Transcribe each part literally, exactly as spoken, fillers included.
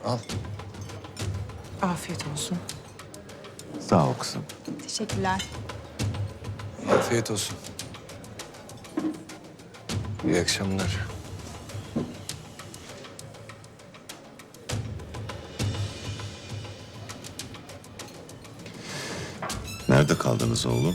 Al. Afiyet olsun. Sağ ol kızım. Teşekkürler. Afiyet olsun. İyi akşamlar. Nerede kaldınız oğlum?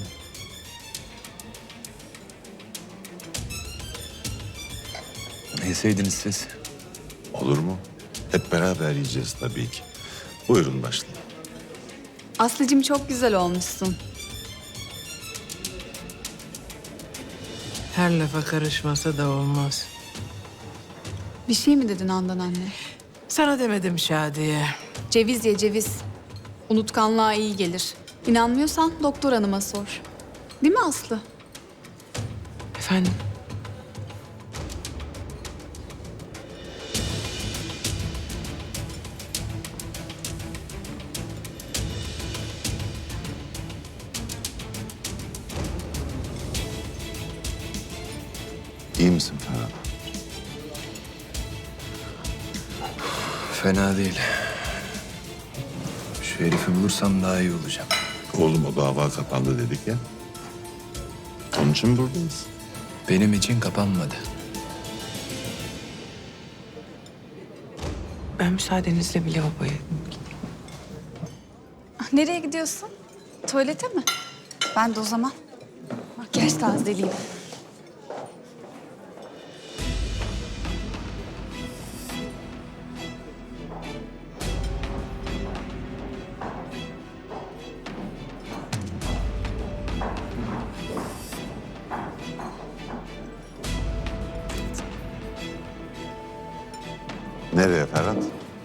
Ne yeseydiniz siz? Olur mu? Hep beraber yiyeceğiz tabii ki. Buyurun başlayın. Aslıcığım çok güzel olmuşsun. Her lafa karışmasa da olmaz. Bir şey mi dedin Handan anne? Sana demedim Şadiye. Ceviz ye ceviz. Unutkanlığa iyi gelir. İnanmıyorsan doktor hanıma sor. Değil mi Aslı? Efendim? İyi misin Ferhat? Fena değil. Şu herifi bulursam daha iyi olacağım. Oğlum o dava kapandı dedik ya. Onun için buradayız. Benim için kapanmadı. Ben müsaadenizle bir lavaboya... Ah, nereye gidiyorsun? Tuvalete mi? Ben de o zaman makyaj tazeleyeyim. Nereye Ferhat?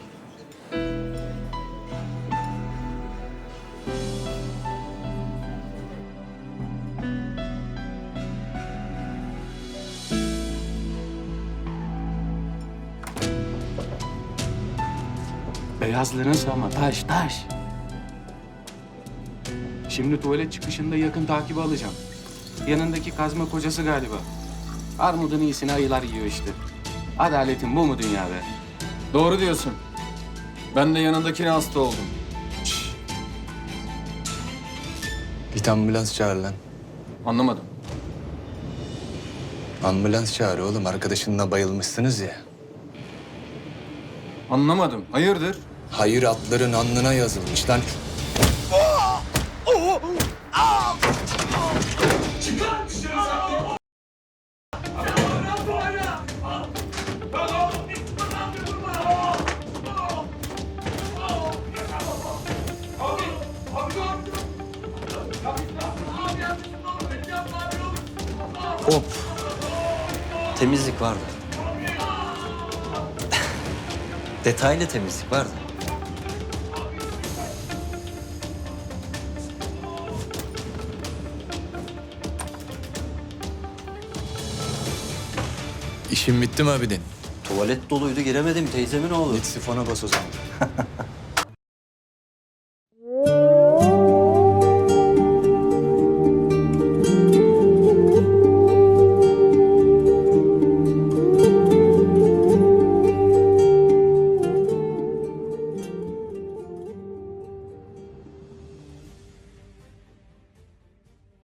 Beyazların sama taş taş. Şimdi tuvalet çıkışında yakın takibi alacağım. Yanındaki kazma kocası galiba. Armudun iyisini ayılar yiyor işte. Adaletin bu mu dünyada? Doğru diyorsun. Ben de yanındakine hasta oldum. Git ambulans çağır lan. Anlamadım. Ambulans çağır oğlum. Arkadaşınla bayılmışsınız ya. Anlamadım. Hayırdır? Hayır atların alnına yazılmış lan. Hop. Temizlik vardı. Detaylı temizlik vardı. İşin bitti mi abidin? Tuvalet doluydu giremedim teyzemin oğlu. Git sifona bas o zaman.